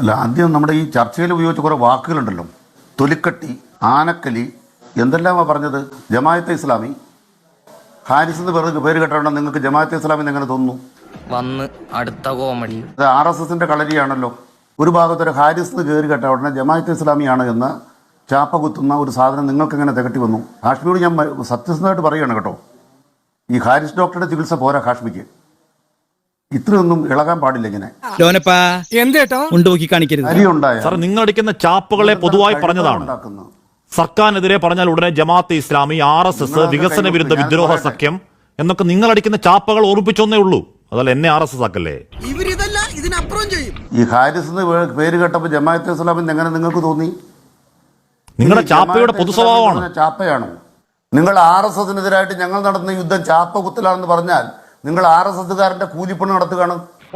അല്ല, ആദ്യം നമ്മുടെ ഈ ചർച്ചയിൽ ഉപയോഗിച്ച കുറേ വാക്കുകളുണ്ടല്ലോ, തൊലിക്കട്ടി, ആനക്കലി, എന്തെല്ലാമാണ് പറഞ്ഞത്? ജമാഅത്തെ ഇസ്ലാമി, ഹാരിസ് എന്ന് പേര് കേട്ടോണ്ട് നിങ്ങൾക്ക് ജമാഅത്തെ ഇസ്ലാമി എങ്ങനെ തോന്നുന്നു? വന്ന് അടുത്ത കോമഡി അത് RSSന്റെ കളരിയാണല്ലോ. ഒരു ഭാഗത്തൊരു ഹാരിസ് എന്ന് കയറി കേട്ട ഉടനെ ജമാഅത്തെ ഇസ്ലാമിയാണ് എന്ന് ചാപ്പ കുത്തുന്ന ഒരു സാധനം നിങ്ങൾക്ക് എങ്ങനെ തികട്ടി വന്നു? ഹാഷ്മിയോട് ഞാൻ സത്യസന്ധമായിട്ട് പറയുകയാണ് കേട്ടോ, ഈ ഹാരിസ് ഡോക്ടറുടെ ചികിത്സ പോരാ ഹാഷ്മിക്ക്. ഇത്രയൊന്നും ഇളകാൻ പാടില്ല. ഇങ്ങനെ സാർ, നിങ്ങൾ അടിക്കുന്ന ചാപ്പുകളെ പൊതുവായി പറഞ്ഞതാണ്. സർക്കാരിനെതിരെ പറഞ്ഞാൽ ഉടനെ ജമാഅത്തെ ഇസ്ലാമി, RSS, വികസന വിരുദ്ധ വിദ്രോഹ സഖ്യം എന്നൊക്കെ നിങ്ങൾ അടിക്കുന്ന ചാപ്പകൾ ഓർപ്പിച്ചൊന്നേ ഉള്ളൂ. അതല്ല എന്നെ RSS ആക്കല്ലേ. ഈ ഹാരിസ് എന്ന് പേര് കേട്ടപ്പോൾ ജമാഅത്തെ ഇസ്ലാമിന് എങ്ങനെ നിങ്ങൾക്ക് തോന്നി? നിങ്ങളുടെ ചാപ്പയുടെ പൊതു സ്വഭാവമാണ്. ചാപ്പയാണോ? നിങ്ങൾ RSSനെതിരായിട്ട് ഞങ്ങൾ നടത്തുന്ന യുദ്ധം ചാപ്പ കുത്തലാണെന്ന് പറഞ്ഞാൽ നിങ്ങൾ RSSകാരന്റെ കൂലിപ്പണി നടത്തുകയാണ്.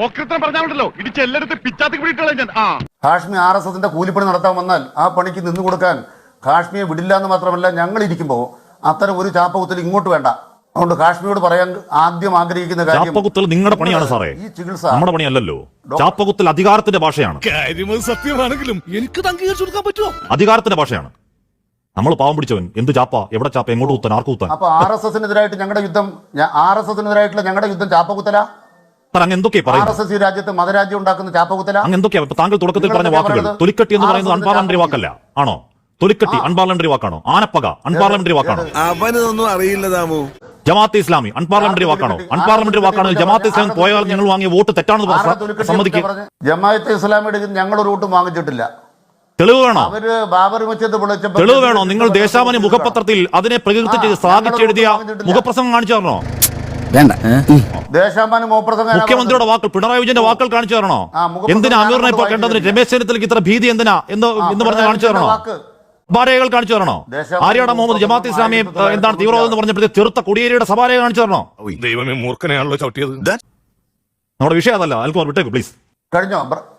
ഹാഷ്മി RSSന്റെ കൂലിപ്പണി നടത്താൻ വന്നാൽ ആ പണിക്ക് നിന്നു കൊടുക്കാൻ ഹാഷ്മിയെ വിടില്ല എന്ന് മാത്രമല്ല, ഞങ്ങൾ ഇരിക്കുമ്പോൾ അത്തരം ഒരു ചാപ്പ കുത്തൽ ഇങ്ങോട്ട് വേണ്ട. അതുകൊണ്ട് ഹാഷ്മിയോട് പറയാൻ ആദ്യം ആഗ്രഹിക്കുന്ന കാര്യം, ചാപ്പകുത്തൽ നിങ്ങളുടെ പണിയാണ് സാറേ, ഈ ചികിത്സ നമ്മുടെ പണിയല്ലല്ലോ. ചാപ്പകുത്തൽ അധികാരത്തിന്റെ ഭാഷയാണ്. സത്യമാണെങ്കിലും എനിക്ക് അംഗീകരിച്ചു കൊടുക്കാൻ പറ്റുമോ? അധികാരത്തിന്റെ ഭാഷയാണ്. നമ്മൾ പാവം പിടിച്ചവൻ എന്ത് ചാപ്പ, എവിടെ ചാപ്പ, എങ്ങോട്ട് കുത്താൻ, ആർക്ക് കുത്താൻ? അപ്പൊ RSSനെതിരായിട്ട് ഞങ്ങളുടെ യുദ്ധം, RSSനെതിരായിട്ടുള്ള ഞങ്ങളുടെ യുദ്ധം ചാപ്പകുത്തല. അങ്ങ് എന്തൊക്കെയാ പറയുന്നത്? RSS ഈ രാജ്യത്ത് മതരാജ്യം ഉണ്ടാക്കുന്ന ചാപ്പകുത്തല. അങ്ങ് എന്തൊക്കെയാ താങ്കൾ തുടക്കത്തിൽ പറഞ്ഞ വാക്കുകൾ? തൊലിക്കട്ടി എന്ന് പറയുന്നത് അൺപാർലമെന്ററി വാക്കല്ല ആണോ? തൊലിക്കട്ടി അൺപാർലമെന്ററി വാക്കാണോ? ആനപ്പക അൺപാർലമെന്ററി വാക്കാണോ? അവനൊന്നും അറിയില്ല താമോ. ജമാഅത്തെ ഇസ്ലാമി അൺപാർലമെന്ററി വാക്കാണോ? അൺപാർലമെന്ററി വാക്കാണോ? ജമാഅത്തെ ഇസ്ലാമി പോയാൽ ഞങ്ങൾ വാങ്ങിയ വോട്ട് തെറ്റാണെന്ന് സമ്മതിക്കുക. ജമാഅത്തെ ഇസ്ലാമിയുടെ ഞങ്ങൾ ഒരു വോട്ടും വാങ്ങിച്ചിട്ടില്ല. തെളിവ് വേണോ? അവര് ബാബർ മസ്ജിദ് പൊളിച്ചപ്പോൾ തെളിവ് വേണോ? നിങ്ങൾ ദേശാഭിമാനി മുഖപത്രത്തിൽ അതിനെ പ്രകീർത്തിച്ച് ശ്ലാഘിച്ചെഴുതിയ മുഖപ്രസംഗം കാണിച്ചു തരണോ? വേണ്ട. ദേശാഭിമാനി മുഖ്യമന്ത്രിയുടെ വാക്കുകൾ, പിണറായി വിജയന്റെ വാക്കുകൾ കാണിച്ചു തരണോ? എന്തിനാ അമീറിനെ ഇപ്പോൾ കണ്ടതിന് രമേശ് ചെന്നിത്തലയ്ക്ക് ഇത്ര ഭീതി എന്തിനാ എന്ന് പറഞ്ഞ് കാണിച്ചു തരണോ? സഭാരേഖകൾ കാണിച്ചു തരണോ? ആര്യാട മുഹമ്മദ് ജമാഅത്തെ ഇസ്ലാമിയെ എന്താണ് തീവ്രവാദം എന്ന് പറഞ്ഞപ്പോഴത്തെ ചെറുത്ത കൊടിയേരിയുടെ സഭാരേഖ കാണിച്ചു തരണോ? ദൈവമേ, മൂർഖനെയാണല്ലോ ചവിട്ടിയത്. നമ്മുടെ വിഷയം അതല്ല. അൽക്കുമാർ വിട്ടേക്ക് പ്ലീസ്. കഴിഞ്ഞോ?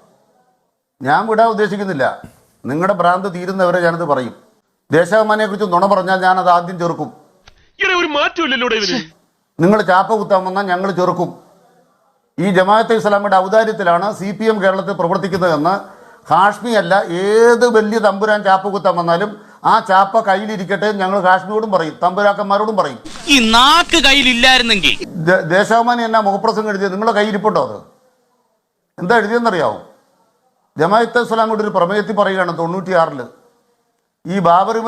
ഞാൻ വിടാൻ ഉദ്ദേശിക്കുന്നില്ല. നിങ്ങളുടെ ഭ്രാന്ത് തീരുന്നവരെ ഞാനത് പറയും. ദേശാഭിമാനിയെ കുറിച്ച് നുണ പറഞ്ഞാൽ ഞാനത് ആദ്യം ചെറുക്കും. ഒരു മാറ്റമില്ലല്ലോ. നിങ്ങൾ ചാപ്പ കുത്താൻ വന്നാൽ ഞങ്ങൾ ചെറുക്കും. ഈ ജമാഅത്തെ ഇസ്ലാമിയുടെ ഔദാര്യത്തിലാണ് CPM കേരളത്തിൽ പ്രവർത്തിക്കുന്നതെന്ന് ഹാഷ്മി അല്ല, ഏത് വലിയ തമ്പുരാൻ ചാപ്പ കുത്താൻ വന്നാലും ആ ചാപ്പ കയ്യിലിരിക്കട്ടെ ഞങ്ങൾ ഹാഷ്മിയോടും പറയും, തമ്പുരാക്കന്മാരോടും പറയും. ഈ നാക്ക് കയ്യിലില്ലായിരുന്നെങ്കിൽ ദേശാഭിമാനി എന്നാ മുഖപ്രസംഗം എഴുതിയത്? നിങ്ങളുടെ കയ്യിരിപ്പുണ്ടോ? അത് എന്താ എഴുതിയെന്നറിയാവും? ജമാഅത്തെ ഇസ്ലാമിയുടെ ഒരു പ്രമേയത്തിൽ പറയുകയാണ് 96 ഈ ബാബറി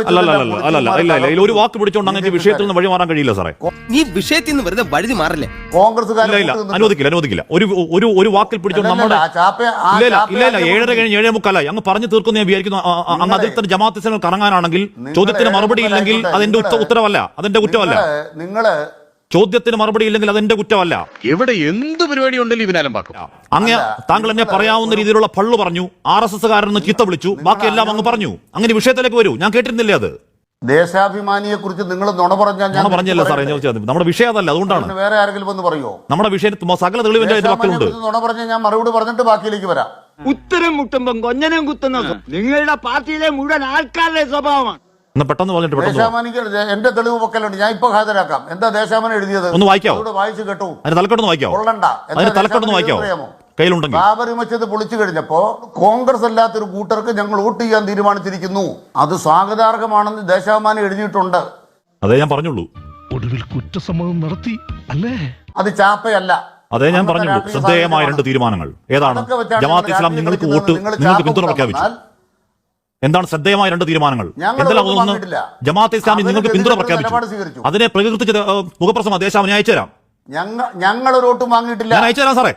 ഒരു വാക്ക് പിടിച്ചോണ്ട് അങ്ങനെ വിഷയത്തിൽ നിന്ന് വഴി മാറാൻ കഴിയില്ല സാറേ. നീ വിഷയത്തിൽ നിന്ന് വെറുതെ വഴുതി മാറില്ലേ? അനുവദിക്കില്ല. ഒരു വാക്കിൽ പിടിച്ചോണ്ട് നമ്മുടെ ഇല്ല 7:30 കഴിഞ്ഞ് 7:45 അങ്ങ് പറഞ്ഞു തീർക്കുന്ന ഞാൻ വിചാരിക്കുന്നു. അങ്ങ് അതിൽ തന്നെ ജമാഅത്തെ ഇസ്ലാമിൽ കറങ്ങാനാണെങ്കിൽ ചോദ്യത്തിന് മറുപടി ഇല്ലെങ്കിൽ അതെന്റെ ഉത്തരവല്ല, അതെന്റെ കുറ്റമല്ല. ചോദ്യത്തിന് മറുപടി ഇല്ലെങ്കിൽ അതെന്റെ കുറ്റമല്ല. എവിടെ എന്ത് പരിപാടി ഉണ്ടെങ്കിലും ഇവനാലും പാക്കും. അങ്ങ് താങ്കൾ എന്നെ പറയാവുന്ന രീതിയിലുള്ള പള്ളു പറഞ്ഞു, RSSകാരന് ചീത്ത വിളിച്ചു, ബാക്കിയെല്ലാം അങ്ങ് പറഞ്ഞു. അങ്ങനെ വിഷയത്തിലേക്ക് വരൂ. ഞാൻ കേട്ടിരുന്നില്ലേ അത്? ദേശാഭിമാനിയെ കുറിച്ച് നിങ്ങൾ നുണ പറഞ്ഞല്ല സാറേ. നമ്മുടെ വിഷയം അതല്ല, അതുകൊണ്ടാണ്. വേറെ ആരെങ്കിലും വന്ന് പറയോ? നമ്മുടെ വിഷയത്തിൽ സകല തെളിവിന്റെ വാക്കുകളുണ്ട്. നുണ പറഞ്ഞാൽ ഞാൻ മറുപടി പറഞ്ഞിട്ട് ബാക്കിയിലേക്ക് വരാം. ഉത്തരം മുട്ടുമ്പം കൊഞ്ഞനം കുത്തുന്നത് നിങ്ങളുടെ പാർട്ടിയിലെ മുഴുവൻ ആൾക്കാരുടെ സ്വഭാവമാണ്. പെട്ടെന്ന് ദേശാഭിമാനിക്ക് എന്റെ തെളിവ് പൊക്കലുണ്ട്, ഞാൻ ഇപ്പൊ ഹാജരാക്കാം. എന്താ ദേശാഭിമാനി എഴുതിയത്? ഒന്ന് വായിക്കാവോ? വായിച്ചു കേട്ടു. തലക്കെട്ടൊന്ന് വായിക്കാവോ? തലക്കെട്ടൊന്ന് വായിക്കാവോ? കയ്യിലുണ്ടെങ്കിൽ. ബാബറി മസ്ജിദ് പൊളിച്ചു കഴിഞ്ഞപ്പോ കോൺഗ്രസ് അല്ലാത്തൊരു കൂട്ടർക്ക് ഞങ്ങൾ വോട്ട് ചെയ്യാൻ തീരുമാനിച്ചിരിക്കുന്നു, അത് സ്വാഗതാർഹമാണെന്ന് ദേശാഭിമാനി എഴുതിയിട്ടുണ്ട്. അതേ ഞാൻ പറഞ്ഞുള്ളൂ. ഒടുവിൽ കുറ്റസമ്മതം നടത്തി അല്ലേ? അത് ചാപ്പയല്ല. അതേ ഞാൻ പറഞ്ഞുള്ളൂ. ശ്രദ്ധേയമായ 2 തീരുമാനങ്ങൾ ഏതാണ്? ജമാഅത്തെ ഇസ്ലാം നിങ്ങൾക്ക് പിന്തുണ പ്രഖ്യാപിച്ചു. എന്താണ് ശ്രദ്ധേയമായ 2 തീരുമാനങ്ങൾ? എന്തെല്ലാം? ഒന്ന്, ജമാഅത്തെ ഇസ്ലാമി നിങ്ങൾക്ക് പിന്തുണ പ്രഖ്യാപിച്ചു. അതിനെ പ്രകീർത്തിച്ച മുഖപ്രസംഗം ദേശാഭിമാനി അയച്ചു തരാം. ഞങ്ങൾ ഒരു വോട്ടും വാങ്ങിയിട്ടില്ല. ഞാൻ അയച്ചു തരാം സാറേ.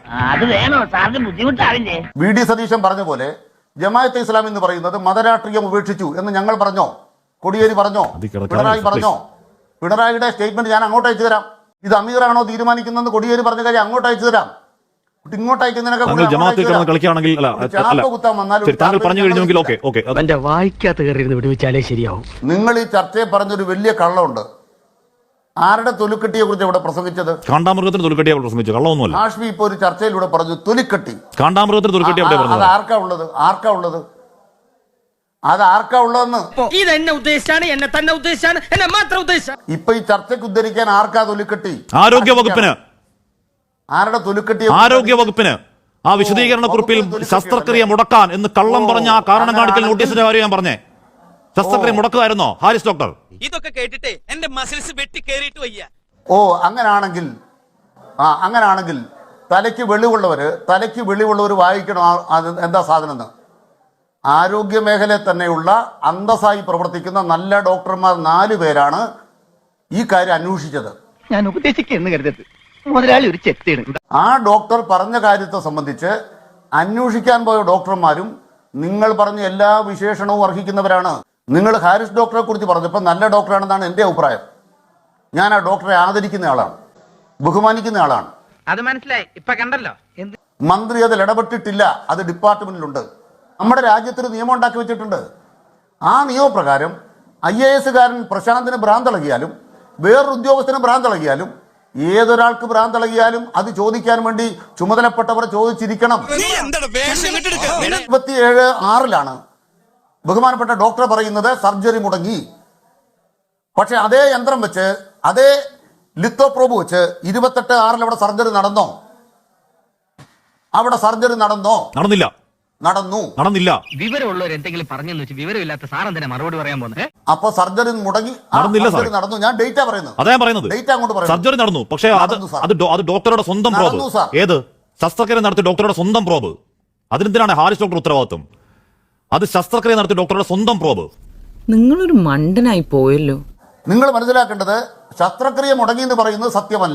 VD സതീശൻ പറഞ്ഞ പോലെ ജമാഅത്തെ ഇസ്ലാം എന്ന് പറയുന്നത് മതരാഷ്ട്രീയം ഉപേക്ഷിച്ചു എന്ന് ഞങ്ങൾ പറഞ്ഞോ? കോടിയേരി പറഞ്ഞോ? പിണറായി പറഞ്ഞോ? പിണറായിയുടെ സ്റ്റേറ്റ്മെന്റ് ഞാൻ അങ്ങോട്ട് അയച്ചു തരാം. ഇത് അമീറാണോ തീരുമാനിക്കുന്നതെന്ന് കോടിയേരി പറഞ്ഞ കാര്യം അങ്ങോട്ട് അയച്ചു തരാം. കളിക്കുകയാണെങ്കിൽ താങ്കൾ പറഞ്ഞു കഴിഞ്ഞെങ്കിൽ വായിക്കാത്ത വിടുവിച്ചാലേ ശരിയാവും. നിങ്ങൾ ഈ ചർച്ചയെ പറഞ്ഞൊരു വലിയ കള്ളമുണ്ട്. ആരുടെ തൊലിക്കട്ടിയെ കുറിച്ച് ഇവിടെ പ്രസംഗിച്ചത്? കാണ്ടാമൃഗത്തിന് തൊലിക്കട്ടിയെ പ്രസംഗിച്ചു. കള്ളമൊന്നുമല്ല. ഹാഷ്മി ഇപ്പൊ ഒരു ചർച്ചയിലൂടെ പറഞ്ഞു തൊലിക്കട്ടി. കാണ്ടാമൃഗത്തിന് തൊലിക്കട്ടി എവിടെ പറഞ്ഞത്? ആർക്കാ ഉള്ളത്? അത് ആർക്കാ ഉള്ളതെന്ന് ഇതെന്നെ ഉദ്ദേശിച്ചാണ്, എന്നെ തന്നെ ഉദ്ദേശിച്ചാണ്, എന്നെ മാത്രം ഉദ്ദേശിച്ചാണ്. ഇപ്പൊ ഈ ചർച്ചയ്ക്ക് ഉദ്ധരിക്കാൻ ആർക്കാ തൊലിക്കട്ടി? ആരോഗ്യ വകുപ്പിന്. ആരുടെ തൊലിക്കട്ടി? ആരോഗ്യ വകുപ്പിന്. ആ വിശദീകരണ കുറിപ്പിൽ ശസ്ത്രക്രിയ മുടക്കാൻ എന്ന് കള്ളം പറഞ്ഞ ആ കാരണം കാണിക്കൽ നോട്ടീസിന്റെ കാര്യം ഞാൻ പറഞ്ഞേ. ശസ്ത്രക്രിയ മുടക്കുമായിരുന്നോ ഹാരിസ് ഡോക്ടർ? ഇതൊക്കെ കേട്ടിട്ടേ എന്റെ മസിൽസ് വെട്ടി കേറിയിട്ട് വയ്യ. ഓ അങ്ങനാണെങ്കിൽ തലയ്ക്ക് വെളിവുള്ളവർ വായിക്കണം അത് എന്താ സാധനം എന്ന്. ആരോഗ്യ മേഖലയിൽ തന്നെയുള്ള അന്തസ്സായി പ്രവർത്തിക്കുന്ന നല്ല ഡോക്ടർമാർ 4 പേരാണ് ഈ കാര്യം അന്വേഷിച്ചത്. ഞാൻ ഉപദേശിക്കുന്നു കരുതരുത്, മുതലാളി ഒരു ചെത്തിയാണ്. ആ ഡോക്ടർ പറഞ്ഞ കാര്യത്തെ സംബന്ധിച്ച് അന്വേഷിക്കാൻ പോയ ഡോക്ടർമാരും നിങ്ങൾ പറഞ്ഞ എല്ലാ വിശേഷണവും അർഹിക്കുന്നവരാണ്. നിങ്ങൾ ഹാരിസ് ഡോക്ടറെ കുറിച്ച് പറഞ്ഞപ്പോൾ നല്ല ഡോക്ടറാണെന്നാണ് എൻ്റെ അഭിപ്രായം. ഞാൻ ആ ഡോക്ടറെ ആദരിക്കുന്ന ആളാണ്, ബഹുമാനിക്കുന്ന ആളാണ്. അത് മനസ്സിലായി, ഇപ്പൊ കണ്ടല്ലോ. മന്ത്രി അതിൽ ഇടപെട്ടിട്ടില്ല, അത് ഡിപ്പാർട്ട്മെന്റിലുണ്ട്. നമ്മുടെ രാജ്യത്തിന് നിയമം ഉണ്ടാക്കി വെച്ചിട്ടുണ്ട്. ആ നിയമപ്രകാരം IAS-കാരൻ പ്രശാന്തിന് ഭ്രാന്തളകിയാലും വേറൊരു ഉദ്യോഗസ്ഥന് ഭ്രാന്തളകിയാലും ഏതൊരാൾക്ക് ഭ്രാന്തളകിയാലും അത് ചോദിക്കാൻ വേണ്ടി ചുമതലപ്പെട്ടവർ ചോദിച്ചിരിക്കണം. 27/6 ബഹുമാനപ്പെട്ട ഡോക്ടർ പറയുന്നത് സർജറി മുടങ്ങി. പക്ഷെ അതേ യന്ത്രം വെച്ച് അതേ ലിത്തോപ്രോബ് വെച്ച് 28/6 അവിടെ സർജറി നടന്നോ? അവിടെ സർജറി നടന്നോ? നടന്നില്ല. വിവരമുള്ളവർ എന്തെങ്കിലും പറഞ്ഞെന്ന് വെച്ച് വിവരമില്ലാത്ത സാറെന്തിനാ മറുപടി പറയാൻ പോകുന്നത്? അപ്പൊ സർജറി മുടങ്ങി നടന്നു. ഞാൻ ഡേറ്റാ പറയുന്നത്. അതാ പറയുന്നത്. ഡേറ്റ് അങ്ങോട്ട് പറയുന്നത്. സർജറി നടന്നു, പക്ഷേ അത് ഡോക്ടറുടെ സ്വന്തം പ്രോബ്. ഏത് ശസ്ത്രക്രിയ നടത്തിയ ഡോക്ടറുടെ സ്വന്തം പ്രോബ്. അതിനെന്തിനാണ് ഹാരിസ് ഡോക്ടർ ഉത്തരവാദിത്വം? അത് ശസ്ത്രക്രിയ നടത്തിയ ഡോക്ടറുടെ സ്വന്തം പ്രോബ്. നിങ്ങളൊരു മണ്ടനായി പോയല്ലോ. നിങ്ങൾ മനസ്സിലാക്കേണ്ടത് ശസ്ത്രക്രിയ മുടങ്ങി എന്ന് പറയുന്നത്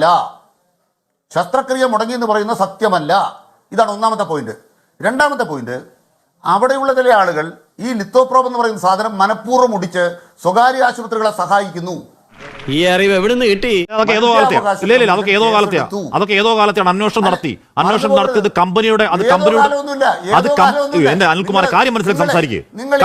സത്യമല്ല. ഇതാണ് ഒന്നാമത്തെ പോയിന്റ്. രണ്ടാമത്തെ പോയിന്റ്, അവിടെയുള്ള ചില ആളുകൾ ഈ ലിത്തോപ്രോബ് എന്ന് പറയുന്ന സാധനം മനഃപൂർവ്വം മുടിച്ച് സ്വകാര്യ ആശുപത്രികളെ സഹായിക്കുന്നു. ഈ അറിവ് എവിടുന്ന് കിട്ടി? അതൊക്കെ ഏതോ കാലത്തെയാണ് അന്വേഷണം നടത്തിയത് കമ്പനിയുടെ. എന്റെ അനിൽകുമാറെ കാര്യം മനസ്സിലാക്കി സംസാരിക്കേ.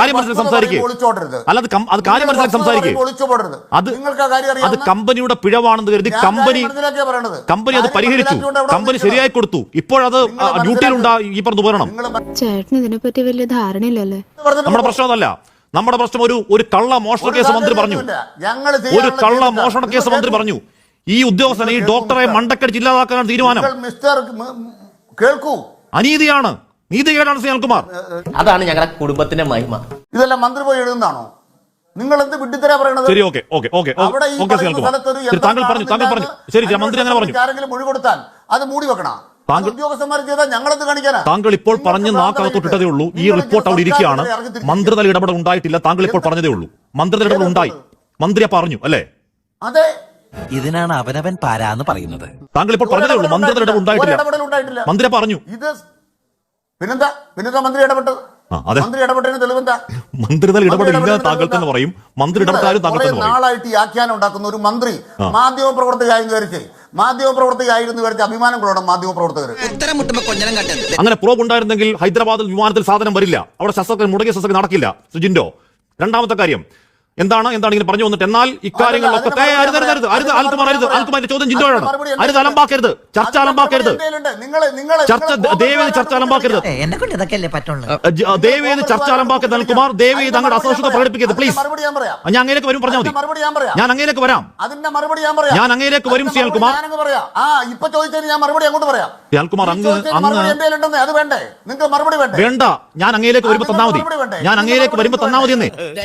അത് കമ്പനിയുടെ പിഴവാണെന്ന് കരുതി കമ്പനി അത് പരിഹരിച്ചു. കമ്പനി ശരിയായി കൊടുത്തു. ഇപ്പോഴത് ഡ്യൂട്ടിയിലുണ്ടാ ഈ പറഞ്ഞ ഉപകരണം. ചേട്ടന് ഇതിനെപ്പറ്റി വലിയ ധാരണയില്ലല്ലേ? നമ്മുടെ പ്രശ്നം അതല്ല. നമ്മുടെ പ്രശ്നം ഒരു കള്ള മോഷണ കേസ് മന്ത്രി പറഞ്ഞു. ഈ ഉദ്യോഗസ്ഥൻ ഈ ഡോക്ടറെ മണ്ടക്കടിച്ച് ഇല്ലാതാക്കാനാണ് തീരുമാനം. കേൾക്കൂ, അനീതിയാണ്, നീതികേടാണ് അനിൽകുമാർ. അതാണ് ഞങ്ങളുടെ കുടുംബത്തിന്റെ മഹിമ. ഇതെല്ലാം മന്ത്രി പോയി എഴുതുന്നതാണോ? നിങ്ങൾ എന്ത് വിഡ്ഢിത്തരാ പറയണത്? ശരി, ഓക്കെ. താങ്കൾ പറഞ്ഞു. ശരി, മന്ത്രി അങ്ങനെ പറഞ്ഞു. ആരെങ്കിലും മൊഴി കൊടുത്താൽ അത് മൂടി വെക്കണം. ഉദ്യോഗസ്ഥന്മാർ ചെയ്താൽ ഞങ്ങളെന്ത് കാണിക്കാനാ? താങ്കൾ ഇപ്പോൾ പറഞ്ഞ് നാക്കകത്തൊട്ടിട്ടതേ ഉള്ളൂ. ഈ റിപ്പോർട്ട് അവിടെ ഇരിക്കുകയാണ്. മന്ത്രിതല ഇടപെടൽ ഉണ്ടായിട്ടില്ല. താങ്കൾ ഇപ്പോൾ പറഞ്ഞതേ ഉള്ളൂ. മന്ത്രിതല ഇടപെടൽ ഉണ്ടായി. മന്ത്രി പറഞ്ഞു അല്ലേ? അതെ, ഇതിനാണ് അവനവൻ പാരാന്ന് പറയുന്നത്. താങ്കൾ ഇപ്പോൾ പറഞ്ഞതേ ഉള്ളൂ. മന്ത്രിതല ഇടപെടൽ ഉണ്ടായിട്ടില്ല. മന്ത്രി പറഞ്ഞു. ഇത് പിന്നെന്താ മന്ത്രി ഇടപെട്ടത്? മന്ത്രി ഇടപെട്ടതിന് തെളിവെന്താ? മന്ത്രിതല ഇടപെടില്ല താങ്കൾ തന്നെ പറയും. മന്ത്രി ഇടപെട്ടാലും താങ്കൾ തന്നെ പറയും. നാളായിട്ട് ഈ ആഖ്യാനം ഉണ്ടാക്കുന്ന ഒരു മന്ത്രി മാധ്യമപ്രവർത്തകയായിരുന്നു വിചാരിച്ച് അഭിമാനം കൊള്ളണം മാധ്യമപ്രവർത്തകർ. അങ്ങനെ പ്രോബ് ഉണ്ടായിരുന്നെങ്കിൽ ഹൈദരാബാദിൽ വിമാനത്തിൽ സാധനം വരില്ല. അവിടെ ശസ്ത്രക്രിയ മുടങ്ങിയ ശസ്ത്രക്രിയ നടക്കില്ല. സുജിൻഡോ, രണ്ടാമത്തെ കാര്യം എന്താണ് ഇങ്ങനെ പറഞ്ഞു വന്നിട്ട് എന്നാൽ ഇക്കാര്യങ്ങളിലൊക്കെ അൽകുമാറിന്റെ ചോദ്യം ജിൻഡോയാണ്. അലമ്പാക്കരുത്, ചർച്ച അലമ്പാക്കരുത്. ദയവേത് ചർച്ച അലമ്പാക്കരുത്. ദയവേത് ചർച്ച അലമ്പാക്കരുത് അൽകുമാർ. ദയവേത് അങ്ങോട്ട് അസഹിഷ്ണുത പ്രകടിപ്പിക്കരുത് പ്ലീസ്. ഞാൻ അങ്ങേലേക്ക് വരും, പറഞ്ഞാൽ മതി. ഞാൻ അങ്ങേലേക്ക് വരാം. ഞാൻ അങ്ങേലേക്ക് വരും ശ്രീ അൽകുമാർ. അൽകുമാർ വേണ്ട, ഞാൻ അങ്ങേലേക്ക് വരുമ്പോ തന്നാ മതി. എന്നേ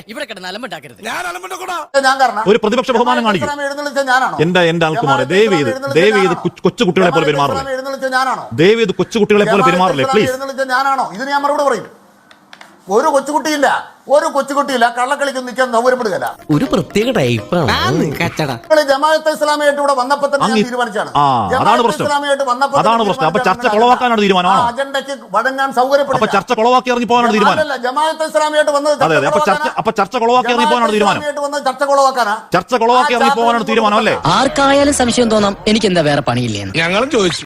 ഒരു പ്രതിപക്ഷ ബഹുമാനം കാണിക്കും. എന്റെ അൽകുമാർ ദയവേത് കൊച്ചുകുട്ടികളെ പോലെ പെരുമാറില്ലേ? ദയവേത് കൊച്ചുകുട്ടികളെ പോലെ പെരുമാറില്ലേ പ്ലീസ്? ഇതിന് ഞാൻ മറുപടി പറയും. ഒരു കൊച്ചുകുട്ടിയില്ല കള്ളക്കളിക്കൊന്നും നിൽക്കാൻ സൗകര്യപ്പെടുകയല്ല. ഒരു പ്രത്യേക ടൈപ്പാണ്. ജമാഅത്തെ ഇസ്ലാമിയായിട്ട് ഇവിടെ വന്നപ്പോ തന്നെ തീരുമാനിച്ചാണ്. അതാണ് പ്രശ്നം. അപ്പൊ ചർച്ച കൊളവാക്കാനാണ് തീരുമാനമാണോ? അജണ്ടയ്ക്ക് വഴങ്ങാൻ സൗകര്യപ്പെടും. അപ്പൊ ചർച്ച കൊളവാക്കി ഇറങ്ങി പോകാനാണ് തീരുമാനം. ജമാഅത്തെ ഇസ്ലാമിയായിട്ട് വന്നത് അപ്പൊ ചർച്ച കൊളവാക്കി ഇറങ്ങി പോകാനാണ് തീരുമാനം. ചർച്ച കൊളവാക്കി ഇറങ്ങി പോകാനാണ് തീരുമാനം അല്ലേ? ആർക്കായാലും സംശയം തോന്നാം എനിക്ക് എന്താ വേറെ പണിയില്ലേ? ഞങ്ങളും ചോദിച്ചു.